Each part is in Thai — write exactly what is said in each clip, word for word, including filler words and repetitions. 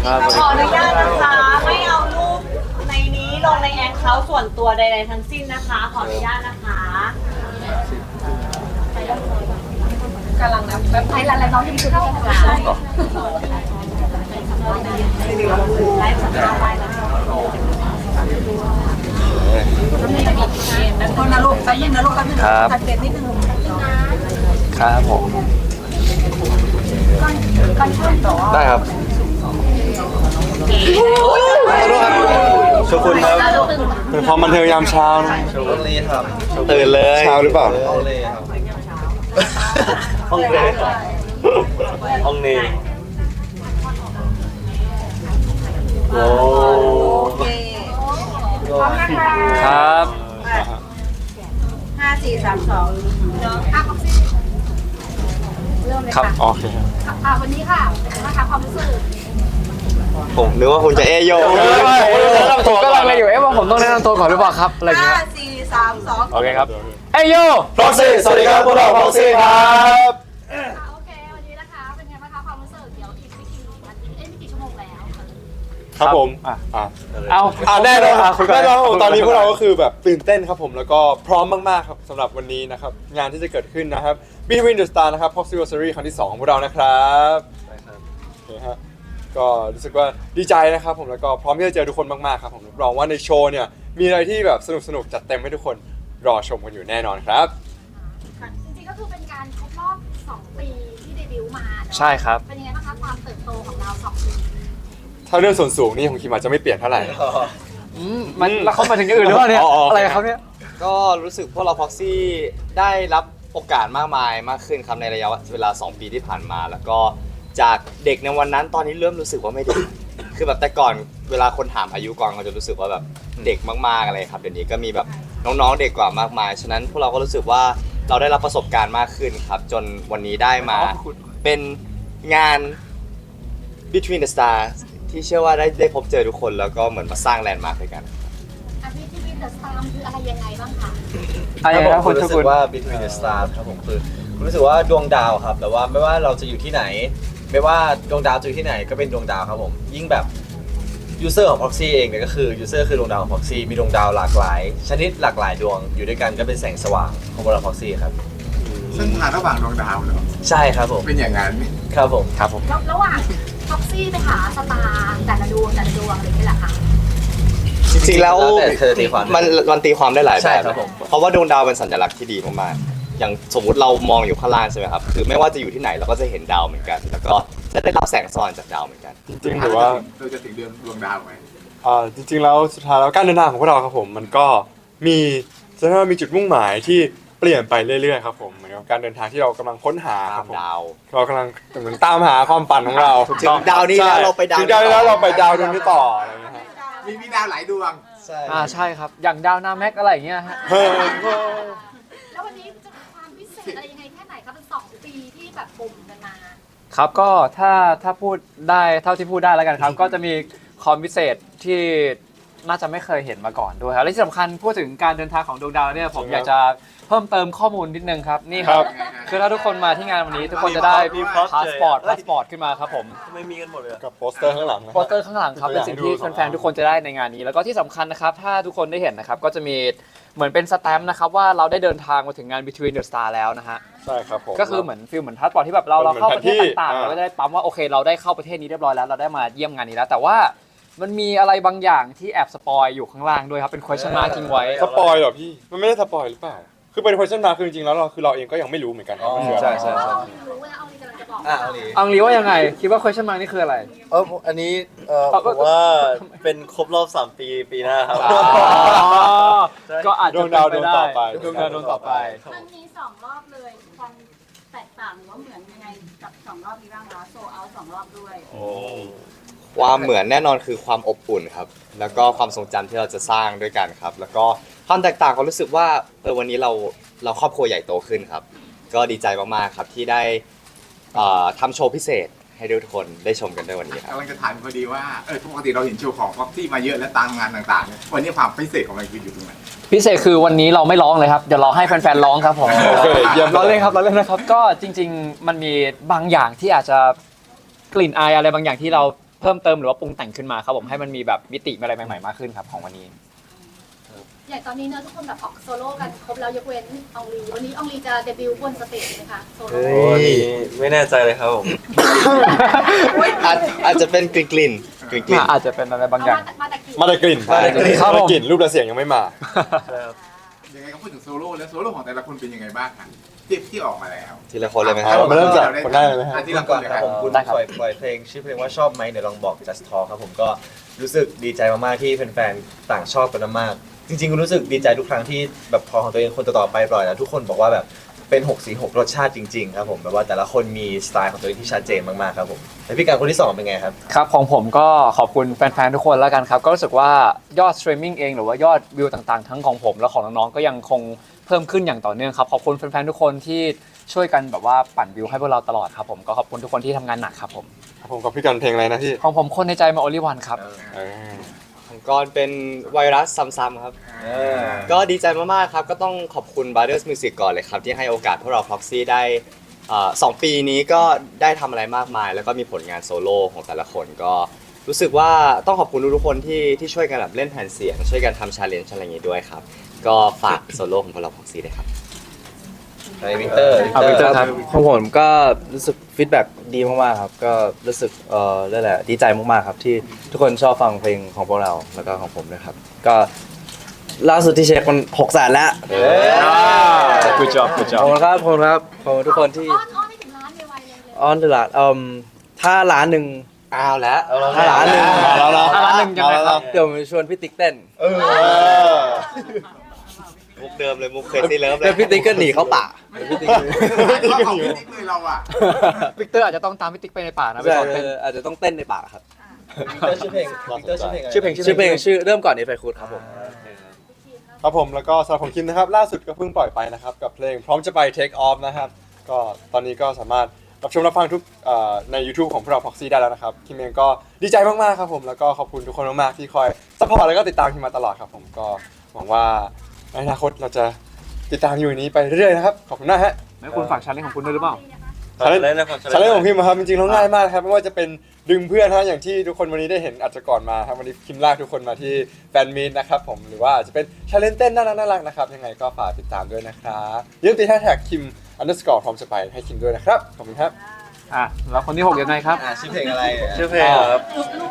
ขออนุญาตนะคะไม่เอารูปในนี้ลงในแอคเคาท์ส่วนตัวใดๆทั้งสิ้นนะคะขออนุญาตนะคะกำลังนะแบบไทยแลนด์น้องที่คือเข้ามาไลฟ์สัมภาษณ์ไปแล้วคนนะลูกไปยินนะลูกกันครับตัดเด็ดนิดนึงครับผมได้ครับโชกุนครับเป็นความบันเทิงยามเช้านะโชกุนเลยครับตื่นเลยเช้าหรือเปล่าห้องเนห้องเนโอ้ครับห้าสี่สามสองครับโอเคค่ะวันนี้ค่ะนะคะความรู้สึกผมนึกว่าคุณจะเอโยผมก็ลังเลยอยู่เอ๊ะว่าผมต้องแนะนำตัวก่อนหรือเปล่าครับอะไรเงี้ยห้าสี่สามสองโอเคครับเอโยพ็อกซี่สวัสดีครับพวกเราพ็อกซี่ครับโอเควันนี้นะคะเป็นไงบ้างคะความรู้สึกเดี๋ยวอีกไม่กี่นาทีเอ้ยไม่กี่ชั่วโมงแล้วครับผมอ่ะอ่ะเอาอ่ะแน่นอนแน่นอนตอนนี้พวกเราก็คือแบบตื่นเต้นครับผมแล้วก็พร้อมมากๆครับสำหรับวันนี้นะครับงานที่จะเกิดขึ้นนะครับ Between the Star นะครับ Proximity ครั้งที่สองของพวกเรานะครับใช่ครับโอเคฮะก็รู้สึกว่าดีใจนะครับผมแล้วก็พร้อมที่จะเจอทุกคนมากๆครับผมรับรองว่าในโชว์เนี่ยมีอะไรที่แบบสนุกๆจัดเต็มให้ทุกคนรอชมกันอยู่แน่นอนครับจริงๆก็คือเป็นการครบรอบสองปีที่เดบิวต์มาใช่ครับเป็นยังไงบ้างคะความเติบโตของเราสองปีถ้าเรื่องส่วนสูงนี่ของคิมอาจจะไม่เปลี่ยนเท่าไหร่มันแล้วเขามาถึงอย่างอื่นหรือเปล่าเนี่ยอะไรครับเนี่ยก็รู้สึกพวกเราพ็อกซี่ได้รับโอกาสมากมายมากขึ้นครับในระยะเวลาสองปีที่ผ่านมาแล้วก็จากเด็กในวันนั้นตอนนี้เริ่มรู้สึกว่าไม่เด็กคือแบบแต่ก่อนเวลาคนถามอายุก่อนเราจะรู้สึกว่าแบบเด็กมากๆอะไรครับเดี๋ยวนี้ก็มีแบบน้องๆเด็กกว่ามากมายฉะนั้นพวกเราก็รู้สึกว่าเราได้รับประสบการณ์มากขึ้นครับจนวันนี้ได้มาเป็นงาน Between the Stars ที่เชื่อว่าได้ได้พบเจอทุกคนแล้วก็เหมือนมาสร้างแลนด์มาร์คด้วยกันอ่ะ Between the Stars คืออะไรยังไงบ้างคะอะไรครับคุณรู้สึกว่า Between the Stars ครับผมคือรู้สึกว่าดวงดาวครับแต่ว่าไม่ว่าเราจะอยู่ที่ไหนไม่ว่าดวงดาวจะอยู่ที่ไหนก็เป็นดวงดาวครับผมยิ่งแบบยูเซอร์ของ Proxy เองเนี่ยก็คือยูเซอร์คือดวงดาวของ Proxy มีดวงดาวหลากหลายชนิดหลากหลายดวงอยู่ด้วยกันก็เป็นแสงสว่างของพวกเรา Proxy ครับเส้นทางระหว่างดวงดาวเหรอใช่ครับผมเป็นอย่างนั้นครับผมครับผมระหว่าง Proxy ไปหาสตาร์แต่ละดวงแต่ละดวงอะไรนี่แหละค่ะจริงๆแล้วมันมันตีความได้หลายแบบเพราะว่าดวงดาวเป็นสัญลักษณ์ที่ดีมากๆอย่างสมมุติเรามองอยู่ข้างล่างใช่ไหมครับคือไม่ว่าจะอยู่ที่ไหนเราก็จะเห็นดาวเหมือนกันแล้วก็จะได้รับแสงสว่างจากดาวเหมือนกันจริงๆหรือว่าเราจะถึงเดือนดวงดาวไหมอ่าจริงๆแล้วสุดท้ายแล้วการเดินทางของพวกเราครับผมมันก็มีจะเรียกว่ามีจุดมุ่งหมายที่เปลี่ยนไปเรื่อยๆครับผมเหมือนกับการเดินทางที่เรากำลังค้นหาครับผมเรากำลังเหมือนตามหาความฝันของเราถึงดาวนี้แล้วเราไปดาวถึงดาวนี้แล้วเราไปดาวดวงนี้ต่ออะไรอย่างเงี้ยฮะมีมีดาวหลายดวงใช่อ่าใช่ครับอย่างดาวนาแม็กอะไรอย่างเงี้ยฮะแล้ววันนี้จะมีความพิเศษอะไรยังไงแค่ไหนครับเป็นสองปีที่แบบปุ่มกันมาครับก็ถ้าถ้าพูดได้เท่าที่พูดได้แล้วกันครับก็จะมีคอมพิเศษที่น่าจะไม่เคยเห็นมาก่อนด้วยครับและที่สำคัญพูดถึงการเดินทางของดวงดาวเนี่ยผมอยากจะเพิ่มเติมข้อมูลนิดนึงครับนี่ครับคือถ้าทุกคนมาที่งานวันนี้ทุกคนจะได้พาสปอร์ตพาสปอร์ตขึ้นมาครับผมไม่มีกันหมดเลยกับโปสเตอร์ข้างหลังโปสเตอร์ข้างหลังครับเป็นสิ่งที่แฟนๆทุกคนจะได้ในงานนี้แล้วก็ที่สำคัญนะครับถ้าทุกคนได้เห็นนะครับก็จะมีเหมือนเป็นสแตมป์นะครับว่าเราได้เดินทางมาถึงงาน Between the Star แล้วนะฮะใช่ครับผมก็คือเหมือนฟิลเหมือนพาสปอร์ตที่แบบเราเราเข้าประเทศต่างๆเราก็ได้ปั๊มว่าโอเคเราได้เข้าประเทศนี้เรียบร้อยแล้วเราได้มาเยี่ยมงานนี้แล้วแต่ว่ามันมีอะไรบางอย่างที่แอบสปอยอยู่ข้างล่างด้วยครับเป็น question mark ทิ้งไว้สปอยเหรอพี่มันไม่ได้สปอยหรือเปล่าคือเป็น question mark คือจริงๆแล้วเราคือเราเองก็ยังไม่รู้เหมือนกันใช่ใช่ใช่อ่ะอังลีว่ายังไงคิดว่า question mark นี่คืออะไรเอออันนี้เออผมว่าเป็นครบรอบสามปีปีหน้าครับก็อาจจะดวงดาวดวงต่อไปดวงดาวดวงต่อไปมันมีสองรอบเลยความแตกต่างหรือว่าเหมือนยังไงกับสองรอบนี้บ้างคะโซเอาสองรอบด้วยโอ้ความเหมือนแน่นอนคือความอบอุ่นครับแล้วก็ความทรงจำที่เราจะสร้างด้วยกันครับแล้วก็ความแตกต่างก็รู้สึกว่าเออวันนี้เราเราครอบครัวใหญ่โตขึ้นครับก็ดีใจมากๆครับที่ได้ทำโชว์พิเศษให้ทุกคนได้ชมกันด้วยวันนี้ครับกำลังจะถามพอดีว่าเออปกติเราเห็นโชว์ของพ็อกซี่มาเยอะและตามงานต่างๆวันนี้ความพิเศษของมันคืออยู่ตรงไหนพิเศษคือวันนี้เราไม่ร้องเลยครับเดี๋ยวเราให้แฟนๆร้องครับผมเราเล่นครับเราเล่นนะครับก็จริงๆมันมีบางอย่างที่อาจจะกลิ่นอายอะไรบางอย่างที่เราเพิ่มเติมหรือว่าปรุงแต่งขึ้นมาครับผมให้มันมีแบบมิติอะไรใหม่ๆมากขึ้นครับของวันนี้อย่างตอนนี้เนอะทุกคนแบบออกโซโล่กันครบแล้วยกเว้นอองลีวันนี้อองลีจะเดบิวต์บนสเตจไหมคะโซโล่โอ้ยไม่แน่ใจเลยครับผมอาจอาจจะเป็นกลิ่นกลิ่นกลิ่นกลิ่นอาจจะเป็นอะไรบางเอาอย่างมาแต่มาแต่กี่มาแต่กลิ่นมาแต่กลิ่นมาแต่กลิ่นรูปและเสียงยังไม่มายังไงก็พูดถึงโซโล่แล้วโซโล่ของแต่ละคนเป็นยังไงบ้างครับที่ที่ออกมาแล้วทีละคนเลยไหมคครัรับบ มาเริ่มจากคนแรกเลยไหมฮะอ่ะทีที่ละละคก่อน นเลยคครัรับบ ผมคุณได้ครับปล่อยปล่อยเพลงชื่อเพลงว่าชอบไหมเดี๋ยวลองบอก just talk ครับผมก็รู้สึกดีใจมากๆที่แฟนๆต่างชอบกันมากๆจริงๆรู้สึกดีใจทุกครั้งที่แบบพอของตัวเองคนต่อๆไปปล่อยแล้วทุกคนบอกว่าแบบเป็นหกสีหกรสชาติจริงๆครับผมแบบว่าแต่ละคนมีสไตล์ของตัวเองที่ชัดเจนมากๆครับผมแล้วพี่การคนที่สองเป็นไงครับครับของผมก็ขอบคุณแฟนๆทุกคนแล้วกันครับก็รู้สึกว่ายอดสตรีมมิ่งเองหรือว่ายอดวิวต่างๆทั้งของผมและของน้องๆก็ยังคงเพิ่มขึ้นอย่างต่อเนื่องครับขอบคุณแฟนๆทุกคนที่ช่วยกันแบบว่าปั่นวิวให้พวกเราตลอดครับผมก็ขอบคุณทุกคนที่ทำงานหนักครับผมครับผมกับพี่กันเพลงอะไรนะพี่ของผมคนในใจมาโอลิวันครับเออของกรเป็นไวรัสซ้ำๆครับ ก็ดีใจมากๆครับ ก็ต้องขอบคุณ Brothers Music ก่อนเลยครับ ที่ให้โอกาสพวกเรา Proxy ได้เอ่อสองปีนี้ก็ได้ทำอะไรมากมาย แล้วก็มีผลงานโซโล่ของแต่ละคนก็รู้สึกว่าต้องขอบคุณทุกๆคนที่ที่ช่วยกันแบบเล่นแผ่นเสียง ช่วยกันทำชาเลนจ์อะไรอย่างงี้ด้วยครับ ก็ฝากโซโล่ของพวกเรา Proxy ด้วยครับไอวินเตอร์เอา Victor ครับของผมก็รู้สึกฟีดแบ็กดีมากๆครับก็รู้สึกเอ่อนั่นแหละดีใจมากๆครับที่ทุกคนชอบฟังเพลงของพวกเราแล้วก็ของผมด้วยครับก็ล่าสุดที่เช็คมันหกแสนแล้ว good job good ข job อบคุณครับขอบคุณครับขอบคุณทุกคนที่อ้อนอ้อนให้ถึงล้านไวๆเลยเลยออนตลาดเอ่มถ้าล้านหนึ่งอ้าวแล้วถ้าล้านหนึ่งมาแล้วนะถ้าล้านหนึ่งยังไงครับเดี๋ยวผมชวนพี่ติ๊กเต้นเออมุกเดิมเลยมุกเคยซีเลิฟเลแล้วยพี่ติ๊กก็หนีเข้าป่าว่าของพี่ติ๊กเลยเราอ่ะวิกเตอร์อาจจะต้องตามพี่ติ๊กไปในป่านะไปใช่สอนเต้นอาจจะต้องเต้นในป่าครับวินเตอร์ชื่อเพลงวินเตอร์ชื่อเพลงอะไรชื่อเพลงชื่อเพลงชื่อเริ่มก่อนนี้ไฟคูดครับผมครับผมแล้วก็สำหรับของคิมนะครับล่าสุดก็เพิ่งปล่อยไปนะครับกับเพลงพร้อมจะไป Take Off นะครับก็ตอนนี้ก็สามารถรับชมรับฟังทุกเอ่อใน YouTube ของพวกเรา Proxy ได้แล้วนะครับคิมเองก็ดีใจมากๆครับผมแล้วก็ขอบคุณทุกคนมากๆที่คอยซัพพอร์ตแล้วก็ติดตามคิมมาตลอดครับผมก็หวังว่าในอนาคตเราจะติดตามอยู่อย่างนี้ไปเรื่อยๆนะครับขอบคุณนะฮะแล้วคุณฝากชาเลนจ์ของคุณด้วยหรือเปล่าชาเลนจ์ชาเลนจ์ของคิมอะครับจริงๆแล้วง่ายมากครับไม่ว่าจะเป็นดึงเพื่อนฮะอย่างที่ทุกคนวันนี้ได้เห็นอาจจะก่อนมาครับวันนี้คิมลากทุกคนมาที่แฟนมีตนะครับผมหรือว่าอาจจะเป็นชาเลนจ์เต้นน่ารักน่ารักนะครับยังไงก็ฝากติดตามด้วยนะครับอย่าลืมติดแฮชแท็กคิม underscore พร้อมจะไปให้คิมด้วยนะครับขอบคุณครับอ่ะแล้วคนที่หกยังไงครับอ่าชื่อเพลงอะไรชื่อเพลงครับ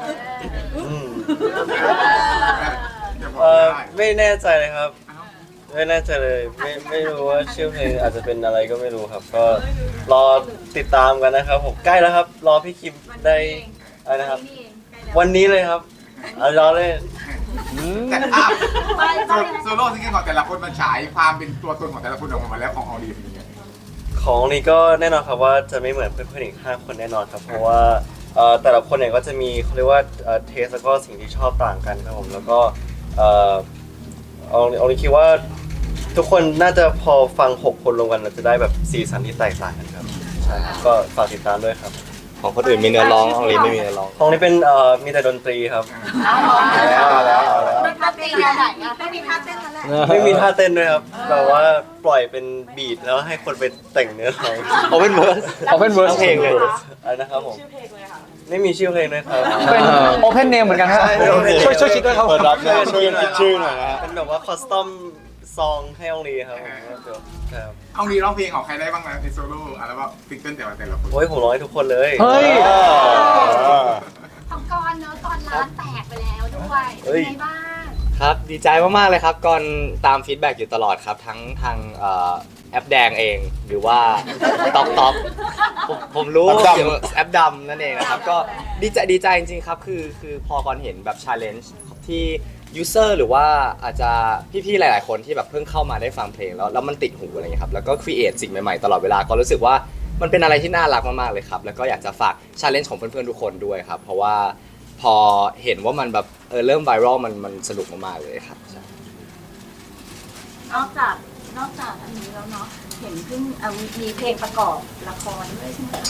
อย่าบอกเอ่อไม่ได้ไม่แน่ใจเลยครับ ไม่แน่ใจเลยไม่ไม่รู้ว่าชื่อเพลงอาจจะเป็นอะไรก็ไม่รู้ครับ ก็รอติดตามกันนะครับผมใกล้แล้วครับ รอพี่คิมได้อะไรนะครับ วันนี้เลยครับเอารอเลยแต่อ่ะโซโซโล่ซิงเกิลของแต่ละคนมันฉายความเป็นตัวตนของแต่ละคนออกมาแล้วของออดีเป็นยังไงของนี้ก็แน่นอนครับว่าจะไม่เหมือนเพื่อนๆอีกห้าคนแน่นอนครับ เพราะว่าเอ่อแต่ละคนเนี่ยก็จะมีเขาเรียกว่าเทสแล้วก็สิ่งที่ชอบต่างกันครับผมแล้วก็เอ่อเอาเอานี้คิดว่าทุกคนน่าจะพอฟังหกคนรวมกันเราจะได้แบบสีสันที่แตกต่างกันครับใช่ครับก็ฝากติดตามด้วยครับของคนอื่นมีเนื้อร้องของลีไม่มีเนื้อร้องของนี้เป็นเอ่อมีแต่ดนตรีครับเอาแล้วเอาแล้วมีท่าเต้นแนวไหนอ่ะไม่มีท่าเต้นแล้วแหละไม่มีท่าเต้นด้วยครับแต่ว่าปล่อยเป็นบีทแล้วให้คนไปแต่งเนื้อร้องเอาเป็นเวิร์สเอาเป็นเวิร์สทั้งเพลงเลยอะไรนะครับผมไม่มีชื่อเพลงด้วยครับเป็นโอเพนเนมเหมือนกันฮะใช่เป็น open name ช่วยช่วยคิดด้วยครับเปิดรับนะช่วยกันคิดชื่อหน่อยนะฮะเป็นแบบว่าคอสตอมซองให้องลีครับผมเดี๋ยวครับเอามีร้องเพลงของใครได้บ้างนะในโซโล่อัลบั้มซิงเกิลแต่ละแต่ละคนโอ้ยผมร้องให้ทุกคนเลยเฮ้ยของกรเนอะกรร้านแตกไปแล้วด้วยเป็นไงบ้างครับดีใจมากๆเลยครับก่อนตามฟีดแบ็กอยู่ตลอดครับ ทั้งทางเอ่อแอปแดงเองหรือว่าต็อกต็อกผมผมรู้แอปดำเกี่ยวกับแอปดำนั่นเองนะครับก็ดีใจดีใจจริงๆครับคือคือพอก่อนเห็นแบบชาเลนจ์ที่ยูเซอร์หรือว่าอาจจะพี่ๆหลายๆคนที่แบบเพิ่งเข้ามาได้ฟังเพลงแล้วแล้วมันติดหูอะไรเงี้ยครับแล้วก็ครีเอทสิ่งใหม่ๆตลอดเวลาก็รู้สึกว่ามันเป็นอะไรที่น่ารักมากๆเลยครับแล้วก็อยากจะฝากชาเลนจ์ของเพื่อนๆทุกคนด้วยครับเพราะว่าพอเห็นว่ามันแบบเออเริ่มไวรัลมันมันสนุกมากๆเลยครับใช่นอกจากนอกจากอันนี้แล้วเนาะเห็นเพิ่งเอ่อมีมีเพลงประกอบละครด้วยใช่ไหมคะ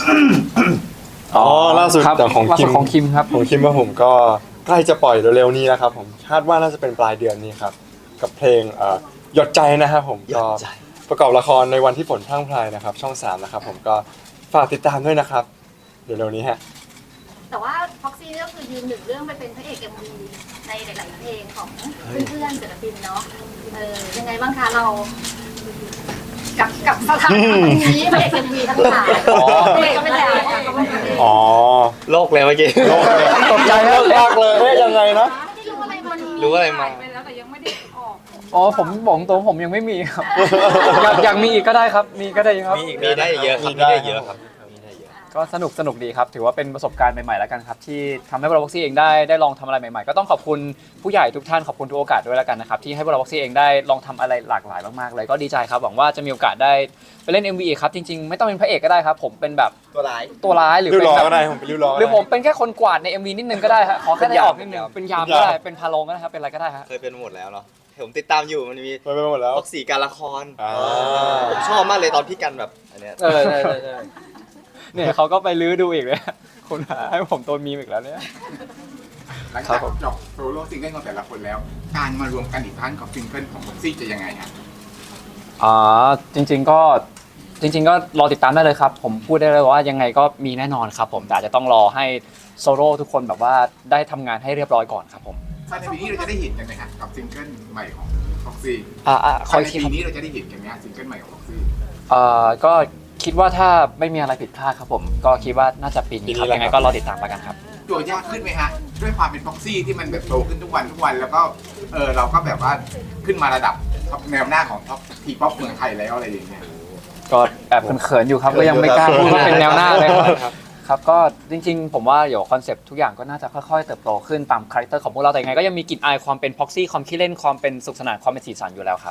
อ๋อล่าสุดครับแต่ของล่าคิสุมดของคิมครับของคิมว่าผมก็ใกล้จะปล่อยเร็วๆนี้แล้วครับผมคาดว่าน่าจะเป็นปลายเดือนนี้ครับกับเพลงเอ่อหยดใจนะครับผมหยก็ดใจประกอบละครในวันที่ฝนพรั่งพรายนะครับช่องสามนะครับผมก็ฝากติดตามด้วยนะครับเดี๋ยวเร็วนี้ฮะแต่ว่า Proxy ซี่ก็คือยืนหนึ่งเรื่องไปเป็นพระเอกเอ็มวีในหลาย ๆ เพลงของเพื่อนๆศิลปินเนาะเออยังไงบ้างคะเรา กับกับสถานะนี้พระเอกเอ็มวีทั้งหลายพระเอกก็ไม่ได้อ๋อโลกเลยเมื่อกี้ตกใจมากเลยเฮ้ยยังไงนะไม่รู้อะไรมันรู้อะไรมาไปแล้วแต่ยังไม่ได้ออกอ๋อผมบอกตรงผมยังไม่มีครับ อยากอยากมีอีกก็ได้ครับ มีก็ได้ครับมีอีกมีได้เยอะครับมีมีได้ได้เยอะครับมีได้เยอะก็สนุกสนุกดีครับ ถือว่าเป็นประสบการณ์ใหม่ๆแล้วกันครับ ที่ทำให้พวกเราบ็อกซี่เองได้ได้ลองทำอะไรใหม่ๆ ก็ต้องขอบคุณผู้ใหญ่ทุกท่านขอบคุณทุกโอกาสด้วยแล้วกันนะครับที่ให้พวกเราบ็อกซี่เองได้ลองทำอะไรหลากหลายมากๆเลยก็ดีใจครับหวังว่าจะมีโอกาสได้ไปเล่น เอ็ม วี อีกครับจริงๆไม่ต้องเป็นพระเอกก็ได้ครับผมเป็นแบบตัวร้ายตัวร้ายหรือริ้วเป็นล้อแบบก็ได้ผมเป็นริ้วล้อหรือผมเป็นแค่คนกวาดใน เอ็ม วี นิดนึงก็ได้ฮะขอแค่ได้ออกนิดนึงเป็นเป็นยามยามก็ได้เป็นพาโลงก็ได้ครับเป็นอะไรก็ได้ฮะเคยเป็นหมดแล้วเนาะผมติดตามอยู่มันมีไปไปหมดแล้วพ็อกซี่การละครอ่าผมชอบมากเลยตอนพี่กันแบบอันเนี้ยเออใช่ใช่ใช่เนี่ยเขาก็ไปลื้อดูอีกเลยคุณหาให้ผมตัวมีมอีกแล้วเนี่ยหลังจากจบโซโล่ซิงเกิลของแต่ละคนแล้ว การมารวมกันอีกครั้งของซิงเกิลของบ็อกซี่จะยังไงฮะอ๋อจริงๆก็จริง ๆ ก็รอติดตามได้เลยครับ ผมพูดได้เลยว่ายังไงก็มีแน่นอนครับผมแต่อาจจะต้องรอให้โซโล่ทุกคนแบบว่าได้ทำงานให้เรียบร้อยก่อนครับผมภายในปีนี้เราจะได้เห็นกันไหมฮะกับซิงเกิลใหม่ของบ็อกซี่อ่าอ่าคภาอย ยในคิดปีนี้เราจะได้เห็นกันไหมฮะซิงเกิลใหม่ของบ็อกซี่เอ่อก็คิดว่าถ้าไม่มีอะไรผิดพลาดครับผมก็คิดว่าน่าจะปีนี้ครับยังไงก็รอติดตามแล้วกันครับตัวยากขึ้นไหมฮะด้วยความเป็นบ็อกซี่ที่มันแบบโตขึ้นทุกวันทุกวันแล้วก็เออเราก็แบบว่าขึ้นมาระดับท็อปแนวหน้าของท็อปทีป๊อปเมืองไทยแล้วอะไรอย่างเงี้ยก็แอบเขินๆอยู่ครับก็ยังไม่กล้าพูดว่าเป็นแนวหน้าเลยครับครับก็จริงๆ ผมว่าเดี๋ยวคอนเซปต์ทุกอย่างก็น่าจะค่อยๆเติบโตขึ้นตามคาแรคเตอร์ของพวกเราแต่ยังไงก็ยังมีกลิ่นอายความเป็นพ็อกซี่ความขี้เล่นความเป็นสุขสนานความเป็นสีสันอยู่แล้วครับ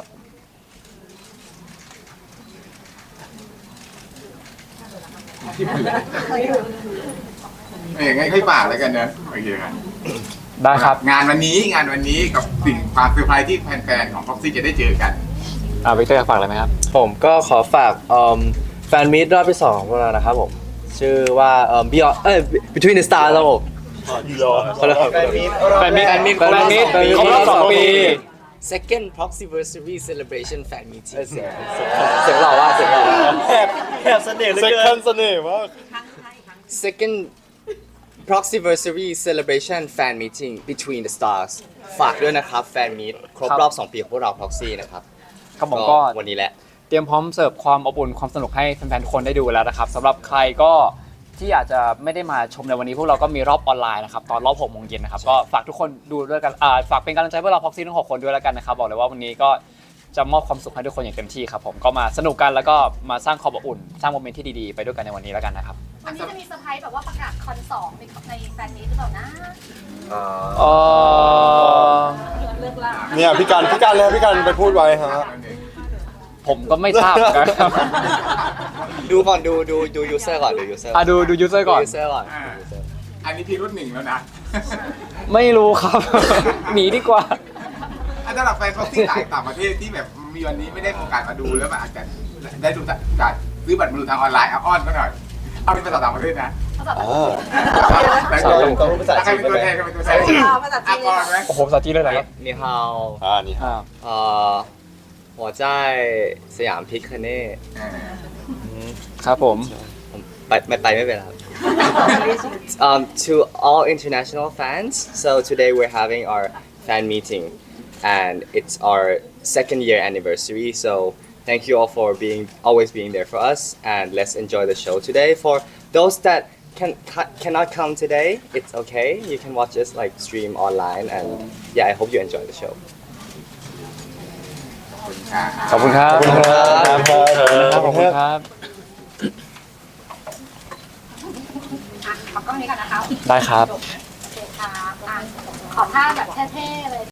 อย่างงั้นค่อยฝากแล้วกันเนอะโอเคครับได้ครับงานวันนี้งานวันนี้กับสิ่งความเซอร์ไพรส์ที่แฟนๆของพ็อกซี่จะได้เจอกันอ่าวิกเตอร์ฝากอะไรไหมครับผมก็ขอฝากเอิ่มแฟนมีตรอบที่สองของพวกเรานะครับผมชื่อว่าเอ่อ Beyond เอ้ย Between the Stars ครับผมขอโทษแฟนมีตแฟนมีตครบรอบสองปี second proxyversary celebration fan meeting เสียงเสียงหล่อว่าเสียงหล่อแอบแอบเสน่ห์เหลือเซ็กเกิชันนเสน่ห์มาก second proxyversary celebration fan meeting between the stars ฝากด้วยนะครับแฟนมีตครบรอบสองปีของพวกเรา proxy นะครับครับผมก็วันนี้แหละเตรียมพร้อมเสิร์ฟความอบอุ่นความสนุกให้แฟนๆทุกคนได้ดูแล้วนะครับสำหรับใครก็ที่อาจจะไม่ได้มาชมในวันนี้พวกเราก็มีรอบออนไลน์นะครับตอนรอบหกโมงเย็นนะครับก็ฝากทุกคนดูด้วยกันอ่าฝากเป็นกำลังใจพวกเราพ็อกซี่ทั้งหกคนด้วยแล้วกันนะครับบอกเลยว่าวันนี้ก็จะมอบความสุขให้ทุกคนอย่างเต็มที่ครับผมก็มาสนุกกันแล้วก็มาสร้างความอบอุ่นสร้างโมเมนต์ที่ดีๆไปด้วยกันในวันนี้แล้วกันนะครับวันนี้จะมีเซอร์ไพรส์แบบว่าประกาศคอนสองในในแฟนนี้หรือเปล่านะเออเลิกล่าเนี่ยพี่กันพี่กันเลยพี่กันไปพูดไว้ฮะผมก็ไม่ทราบเหมือนกันครับดูก่อนดูดูดู user ก่อนดู user อ่ะดูดูยูเซอร์ก่อนดู user ก่อนอ่าดู user อันนี้พี่รุ่นหนึ่งแล้วนะไม่รู้ครับ หนีดีกว่าอันสำหรับแฟนพ็อกซี่ต่างประเทศที่แบบมีวันนี้ไม่ได้โอกาสมาดูแล้วมันอาจจะได้ดูจากซื้อบัตรมาดูทางออนไลน์เอาอ้อนก็หน่อยเอาเป็นภาษาต่างประเทศนะภาษาอ่าแต่ก็ต้องภาษาใครเป็นตัวแทนใครเป็นตัวแทนภาษาจีนอ่ะก่อนไหมโอ้โหภาษาจีนเลยเหรอครับ你好อ่านี่ฮะอ่า呃我在สยามพิคเน่เออครับผมผมไปไม่ไปไม่เป็นไรครับ um, to all international fans so today we're having our fan meeting and it's our second year anniversary so thank you all for being always being there for us and let's enjoy the show today for those that can ca- cannot come today it's okay you can watch us like stream online and yeah I hope you enjoy the show ขอบคุณครับขอบคุณครับขอบคุณครับอ่ะมากล้องนี้ก่อนนะคะได้ครับโอเคครับอ่ะขอท่าแบบเท่ๆเลย